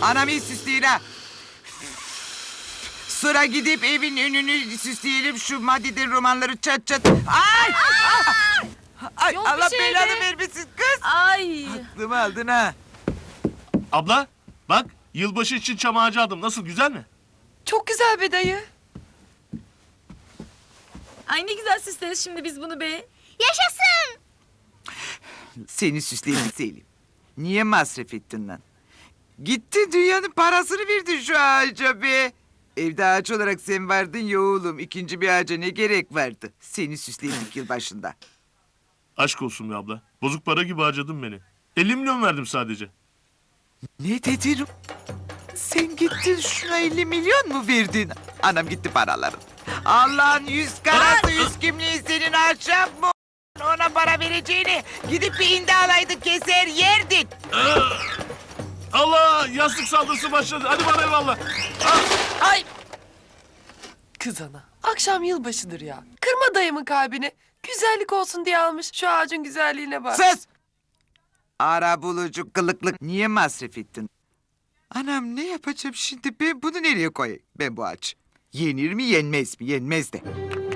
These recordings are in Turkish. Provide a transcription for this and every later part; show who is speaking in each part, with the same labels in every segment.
Speaker 1: Anam iyi süsleyin ha. Sıra gidip evin önünü süsleyelim. Şu Madide romanları çat çat. Ay! Ay
Speaker 2: Yok bir
Speaker 1: Allah
Speaker 2: şey
Speaker 1: belanı
Speaker 2: be.
Speaker 1: vermesin kız.
Speaker 2: Ay.
Speaker 1: Aklımı aldın ha.
Speaker 3: Abla bak yılbaşı için çam ağacı aldım. Nasıl, güzel mi?
Speaker 4: Çok güzel be dayı.
Speaker 2: Ay ne güzel süsleriz şimdi biz bunu be.
Speaker 5: Yaşasın.
Speaker 1: Seni süsleyin Selim. Niye masraf ettin lan? Gittin dünyanın parasını verdin şu ağaca be. Evde ağaç olarak sen vardın ya oğlum. İkinci bir ağaca ne gerek vardı? Seni süsledik yılbaşında.
Speaker 3: Aşk olsun be abla. Bozuk para gibi harcadın beni. 50 milyon verdim sadece.
Speaker 1: Ne dedin? Sen gittin şuna 50 milyon mu verdin? Anam gitti paraların. Allah'ın 100 karası 100 kimliği senin akşam mı? Ona para vereceğini gidip bir indi alaydın keser yerdin.
Speaker 3: Allah, yastık saldırısı başladı. Hadi bana eyvallah.
Speaker 4: Ay. Kız ana. Akşam yılbaşıdır ya. Kırma dayımın kalbini. Güzellik olsun diye almış. Şu ağacın güzelliğine bak.
Speaker 1: Sus! Ara bulucu kılıklık niye masraf ettin? Anam ne yapacağım şimdi? Ben bunu nereye koyayım? Ben bu ağaç. Yenir mi yenmez mi? Yenmez de.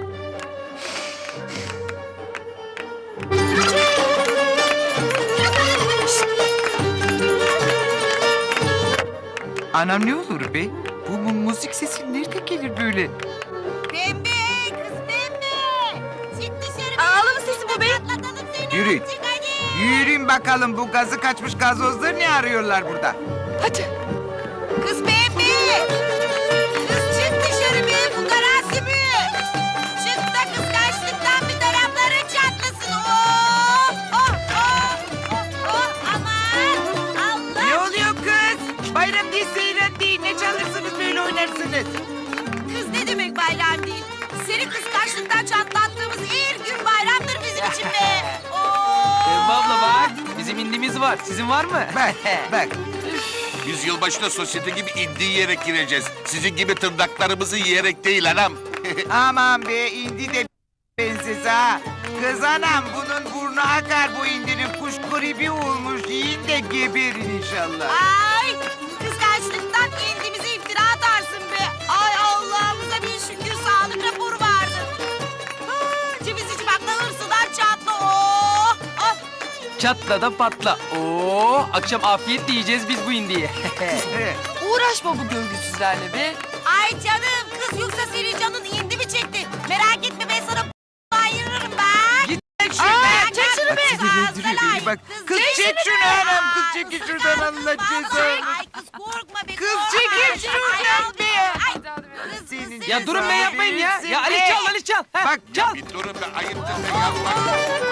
Speaker 1: Anam ne olur be? Bu müzik sesi nerede gelir böyle?
Speaker 5: Pembe kız pembe. Çık dışarı.
Speaker 2: Ağlama sesi bu be.
Speaker 5: Patlatalım seni.
Speaker 1: Yürüyün.
Speaker 5: Çık hadi.
Speaker 1: Yürüyün bakalım bu gazı kaçmış gazozları ne arıyorlar burada?
Speaker 4: Hadi.
Speaker 5: Kız pembe. Kız çık dışarı be. Bu garası mı? Çık da kıskançlıktan bir tarafların çatlasın. Oh oh oh. Oh oh aman. Allah.
Speaker 1: Ne oluyor kız? Bayram değil, seyran değil. Ne çalırsınız böyle oynarsınız?
Speaker 5: Kız ne demek bayram değil? Seni kıskançlıktan çatlattığımız ilk gün bayramdır bizim için be. Oo.
Speaker 6: Pembe abla bak, bizim indimiz var. Sizin var mı?
Speaker 1: Bak, bak.
Speaker 7: Biz yılbaşında sosyete gibi indi yiyerek gireceğiz. Sizin gibi tırnaklarımızı yiyerek değil anam.
Speaker 1: Aman be indi de bensiz ha. Kız anam bunun burnu akar bu indinin kuş gribi olmuş. Yiyin de geberin inşallah.
Speaker 5: Ay kıskançlıktan indimize iftira atarsın be. Ay Allah'ımıza bir şükür sağlık raporu vardı. Ceviz içi bakla hırsıdan çatla. Oh, oh.
Speaker 6: Çatla da patla. Oo, akşam afiyetle yiyeceğiz biz bu indiyi.
Speaker 4: Uğraşma bu görgüsüzlerle be.
Speaker 5: Ay canım kız yoksa senin canın indi mi çekti? Merak etme ben sana ayırırım ben.
Speaker 1: Git şuradan.
Speaker 5: Çek şunu be.
Speaker 1: Sinirlendiriyor beni bak. Kız çek şunu anam. Kız çekin şuradan Allah cezanı.
Speaker 5: Ay kız korkma be.
Speaker 1: Kız
Speaker 5: korkma.
Speaker 1: çekil şuradan
Speaker 5: Ay,
Speaker 1: be.
Speaker 5: Ay, kız,
Speaker 1: Senin
Speaker 5: kız,
Speaker 6: Ya durun be,
Speaker 1: cezanı
Speaker 6: yapmayın ya.
Speaker 1: verirsin
Speaker 6: Ya Ali
Speaker 1: be.
Speaker 6: çal, Ali çal. Ha,
Speaker 1: Bak,
Speaker 6: çal.
Speaker 7: Bir durun be, ayıptır be, yapma.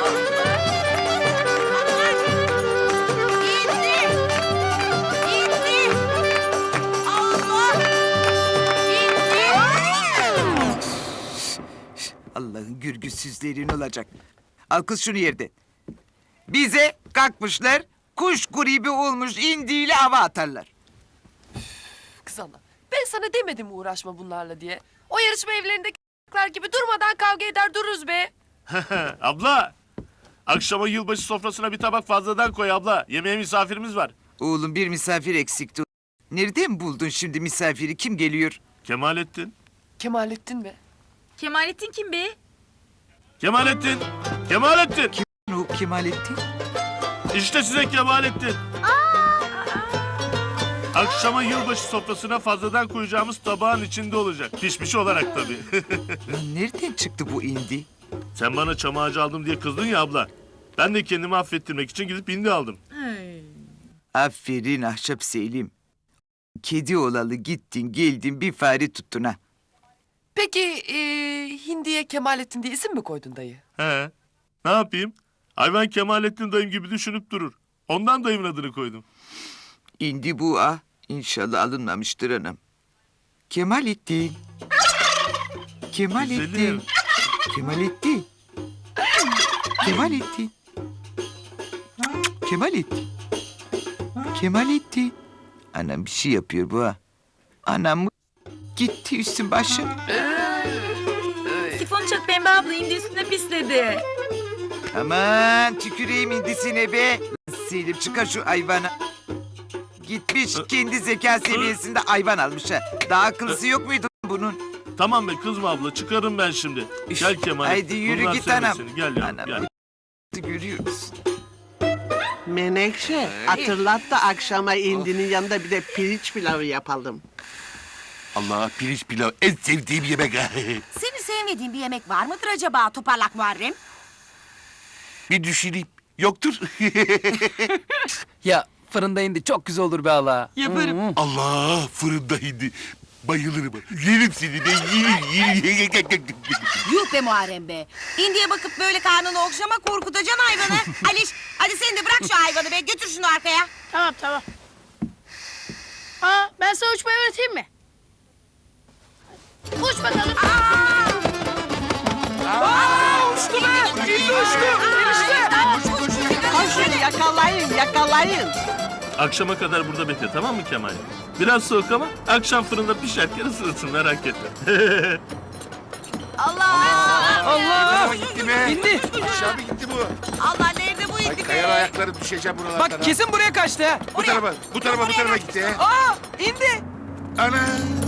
Speaker 5: İndi. İndi. Allah. İndi.
Speaker 1: Allah'ın gürgüsüzlerin olacak. Al kız şunu yerden. Bize kalkmışlar kuş gribi olmuş indiyle hava atarlar.
Speaker 4: Kız ana. Ben sana demedim mi uğraşma bunlarla diye. O yarışma evlerindeki gibi durmadan kavga eder dururuz be.
Speaker 3: Abla, akşama yılbaşı sofrasına bir tabak fazladan koy abla. Yemeğe misafirimiz var.
Speaker 1: Oğlum bir misafir eksikti. Nereden buldun şimdi misafiri? Kim geliyor?
Speaker 3: Kemalettin.
Speaker 4: Kemalettin be.
Speaker 2: Kemalettin kim be?
Speaker 3: Kemalettin. Kemalettin.
Speaker 1: O Kemalettin.
Speaker 3: İşte size Kemalettin. Akşama yılbaşı sofrasına fazladan koyacağımız tabağın içinde olacak. Pişmiş olarak tabii.
Speaker 1: Lan nereden çıktı bu indi?
Speaker 3: Sen bana çam ağacı aldım diye kızdın ya abla. Ben de kendimi affettirmek için gidip indi aldım.
Speaker 1: Aferin Ahşap Selim. Kedi olalı gittin geldin bir fare tuttun ha.
Speaker 4: Peki hindiye Kemalettin diye isim mi koydun dayı?
Speaker 3: He. Ne yapayım? Hayvan Kemalettin dayım gibi düşünüp durur. Ondan dayımın adını koydum.
Speaker 1: İndi bu ah. İnşallah alınmamıştır anam. Kemalettin. Kemalettin.
Speaker 3: Güzelim.
Speaker 1: Kemalettin. Kemalettin. Kemalettin. Kemalettin. Anam bir şey yapıyor bu ha. Anam mı? Gitti üstün başı.
Speaker 2: Sifon çok Pembe abla indi üstüne pisledi.
Speaker 1: Aman tüküreyim indisine be. Selim çıkar şu hayvana. Gitmiş kendi zeka seviyesinde hayvan almış ha. Daha akıllısı yok muydu bunun?
Speaker 3: Tamam be kızma abla çıkarım ben şimdi. Gel Kemalettin.
Speaker 1: Haydi yürü
Speaker 3: bunlar
Speaker 1: git
Speaker 3: sevmez
Speaker 1: anam.
Speaker 3: seni. Gel yavrum
Speaker 1: Anam.
Speaker 3: gel.
Speaker 1: Görüyor musun?
Speaker 8: Menekşe, hatırlat da akşama indinin yanında bir de pirinç pilavı yapalım.
Speaker 7: Allah pirinç pilav en sevdiğim yemek.
Speaker 5: Senin sevmediğin bir yemek var mıdır acaba toparlak Muharrem?
Speaker 7: Bir düşüneyim. Yoktur.
Speaker 6: Ya fırında indi çok güzel olur be Allah.
Speaker 4: Yaparım.
Speaker 7: Allah fırında hindi. Bayılırım. Yerim seni de yerim.
Speaker 5: Yuh be Muharrem be. Hindiye bakıp böyle karnını okşama korkutacaksın hayvanı. Aliş hadi sen de bırak şu hayvanı be götür şunu arkaya.
Speaker 9: Tamam tamam. Aa ben sana uçmayı öğreteyim mi? Uç bakalım.
Speaker 4: Uçtu be. İndi uçtu.
Speaker 8: Koşun yakalayın, yakalayın.
Speaker 3: Akşama kadar burada bekle tamam mı Kemalettin? Biraz soğuk ama akşam fırında pişerken ısınsın merak etme.
Speaker 6: Allah!
Speaker 7: Gitti be.
Speaker 6: İndi.
Speaker 7: Aşağı mı gitti bu?
Speaker 5: Allah nerede bu
Speaker 7: Ay
Speaker 5: hindi
Speaker 7: kayar
Speaker 5: be?
Speaker 7: ayakları düşeceğim buralardan.
Speaker 6: Bak kesin buraya kaçtı ha.
Speaker 7: Bu tarafa, bu tarafa gitti.
Speaker 6: Aa indi.
Speaker 7: Ana.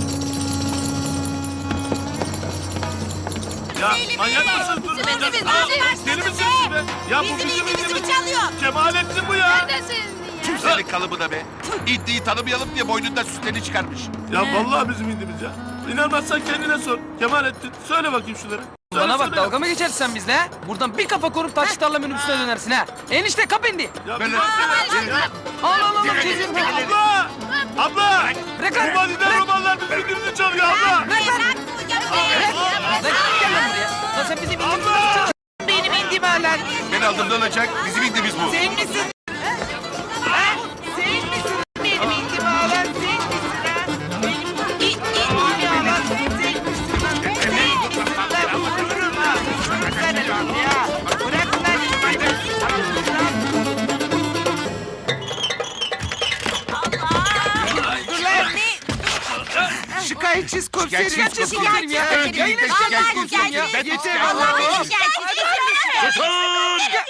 Speaker 3: Ya manyak mısın? Dur,
Speaker 5: Bizim
Speaker 3: dur,
Speaker 5: indimiz,
Speaker 3: dur.
Speaker 5: bizim
Speaker 3: Deli
Speaker 5: indimiz
Speaker 3: misiniz
Speaker 5: be?
Speaker 3: be? Ya bu
Speaker 5: Bizim
Speaker 3: bizim
Speaker 5: indimizi
Speaker 3: indimiz.
Speaker 5: mi çalıyor?
Speaker 3: Kemalettin bu ya.
Speaker 9: Neredesin ya?
Speaker 7: Kimsenin kalıbına be. İddiyi tanımayalım diye boynundan süslerini çıkarmış.
Speaker 3: Ya vallahi bizim indimiz ya. İnanmazsan kendine sor. Kemalettin söyle bakayım şunları.
Speaker 6: Bana bak
Speaker 3: Söyle.
Speaker 6: dalga mı geçersin sen bizle ha? Buradan bir kafa korup taş tarla minibüsüne dönersin ha. Enişte kap indi.
Speaker 3: Ya
Speaker 7: Böyle-
Speaker 6: Al
Speaker 3: Abla! Abla!
Speaker 6: Bırak lan.
Speaker 3: Bu vadiden romanlar bizim indimizi çalıyor abla.
Speaker 5: Bırak bu canım
Speaker 6: Lan gel lan buraya. Lan sen bizim indimizi
Speaker 3: Abla!
Speaker 6: çal. Benim indim hala.
Speaker 7: Ben aldığımdan olacak. Bizim indimiz bu.
Speaker 1: Sen misin? Ha? Sen misin? Benim indim ağlar sen misin ha? Benim indim ağlar sen misin lan? Sen misin lan? Vururum ha. Bıraksana lan ya. Bırak lan. Dur lan. Şikayetçiz komiserim.
Speaker 7: Şikayetçiz
Speaker 6: Komiserim ya. Ya yine şikayet komiserim ya.
Speaker 1: Yeter
Speaker 5: Allah
Speaker 1: Allah'ım.
Speaker 7: Susun!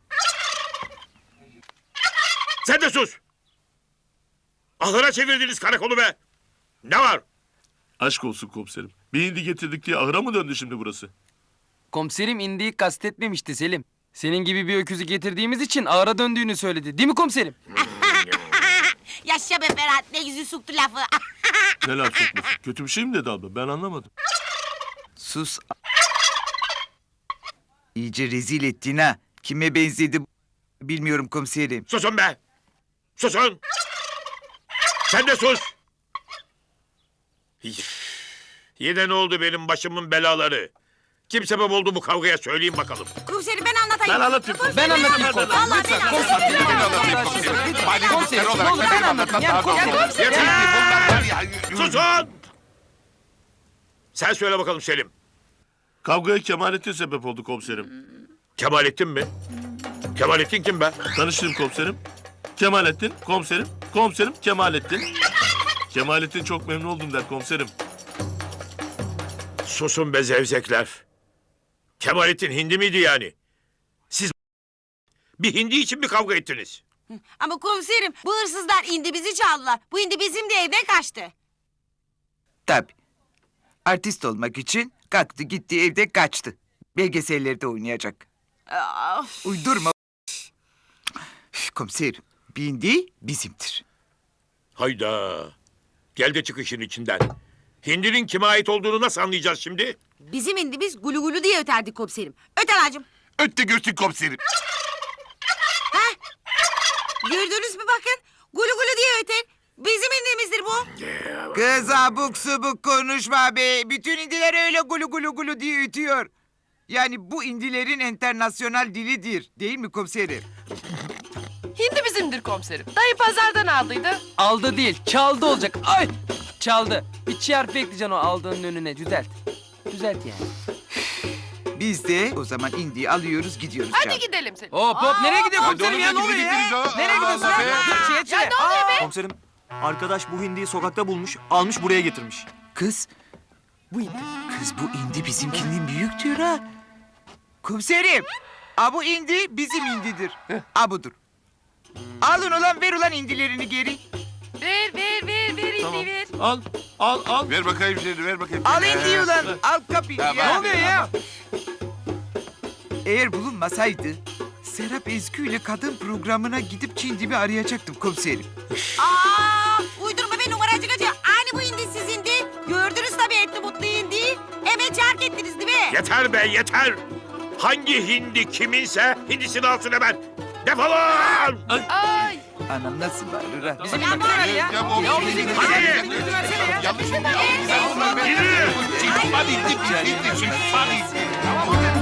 Speaker 10: Sen de sus! Ahıra çevirdiniz karakolu be! Ne var?
Speaker 3: Aşk olsun komiserim. Bir hindi getirdik diye ahıra mı döndü şimdi burası?
Speaker 6: Komiserim indiği kastetmemişti Selim. Senin gibi bir öküzü getirdiğimiz için ağıra döndüğünü söyledi. Değil mi komiserim?
Speaker 5: Yaşa be Ferhat ne yüzü soktu lafı.
Speaker 3: Ne laf sokması? Kötü bir şey mi dedi abla? Ben anlamadım.
Speaker 1: Sus. İyice rezil ettin ha. Kime benzedi bilmiyorum komiserim.
Speaker 10: Susun be! Susun! Sen de sus! Yine ne oldu benim başımın belaları? Kim sebep oldu bu kavgaya söyleyin bakalım.
Speaker 5: Komiserim ben anlatayım.
Speaker 3: Ben anlatayım.
Speaker 6: Ben anlatayım komiserim.
Speaker 5: Vallahi ben anlatayım.
Speaker 6: Komiserim ne olur ben anlatayım. Ya komiserim.
Speaker 10: Susun! Sen söyle bakalım Selim.
Speaker 3: Kavgaya Kemalettin sebep oldu komiserim.
Speaker 10: Kemalettin mi? Kemalettin kim be?
Speaker 3: Tanıştırayım komiserim. Kemalettin, komiserim. Komiserim Kemalettin. Kemalettin çok memnun oldum der komiserim.
Speaker 10: Susun be zevzekler. Kemalettin hindi miydi yani? Siz bir hindi için mi kavga ettiniz?
Speaker 5: Ama komiserim bu hırsızlar indi bizi çaldılar. Bu indi bizim de evden kaçtı.
Speaker 1: Tabii. Artist olmak için kalktı gitti evde kaçtı. Belgesellerde oynayacak.
Speaker 5: Of.
Speaker 1: Uydurma. Üf, komiserim. Bindi bizimdir.
Speaker 10: Hayda. Gel de çık işin içinden. Hindinin kime ait olduğunu nasıl anlayacağız şimdi?
Speaker 5: Bizim indi biz gulu gulu diye öterdik komiserim. Öter hacım.
Speaker 7: Ötte görsün komiserim.
Speaker 5: Gördünüz mü bakın. Gulu gulu diye öter. Bizim indimizdir bu.
Speaker 1: Kız abuk subuk konuşma be. Bütün indiler öyle gulu gulu gulu diye ötüyor. Yani bu indilerin internasyonal dilidir. Değil mi komiserim?
Speaker 4: Hindi bizimdir komiserim. Dayı pazardan aldıydı.
Speaker 6: Aldı değil çaldı olacak. Ay çaldı. Bir çiğ harfi ekleyeceksin o aldığının önüne. Düzelt. Düzelt yani.
Speaker 1: Biz de o zaman indiği alıyoruz gidiyoruz.
Speaker 4: Hadi
Speaker 1: canım.
Speaker 4: gidelim Selim.
Speaker 6: Hop hop nereye gidiyor
Speaker 7: Hadi
Speaker 6: komiserim
Speaker 7: oğlum,
Speaker 6: ya ne
Speaker 7: hadi
Speaker 6: oluyor
Speaker 7: gideriz
Speaker 6: ya?
Speaker 7: ha.
Speaker 6: Nereye gidiyorsun
Speaker 7: Allah
Speaker 6: ya?
Speaker 7: be.
Speaker 6: Dur çiğe çiğe.
Speaker 11: Komiserim, arkadaş bu hindiyi sokakta bulmuş, almış buraya getirmiş.
Speaker 1: Kız. Bu indi. Kız bu indi bizimkinin büyük diyor ha. Komiserim. A bu indi bizim indidir. A budur. Alın ulan ver ulan indilerini geri.
Speaker 2: Ver
Speaker 3: Tamam.
Speaker 2: indiği ver.
Speaker 3: Al.
Speaker 7: Ver bakayım seni, ver bakayım.
Speaker 1: Al indiği ulan. Al kapıyı.
Speaker 7: Tamam.
Speaker 1: Ya.
Speaker 7: Ne oluyor
Speaker 1: ya? Eğer bulunmasaydı Serap Ezgü ile kadın programına gidip Çindim'i arayacaktım komiserim.
Speaker 5: Uydurma be numaracı gacı. Aynı bu hindi sizindi. Gördünüz tabii etli mutlu hindi. Hemen çark ettiniz değil mi?
Speaker 10: Yeter be yeter. Hangi hindi kiminse hindisini alsın hemen. Defolun!
Speaker 4: Ay.
Speaker 1: Anam nasıl bağırır ha?
Speaker 6: Bizim
Speaker 5: Ya
Speaker 6: gibi
Speaker 5: bari
Speaker 6: ya.
Speaker 7: Ya bu
Speaker 6: Ya bizim gibi
Speaker 10: Hadi.
Speaker 7: yanlış oldu.
Speaker 10: Yürü!
Speaker 7: Hadi, hadi.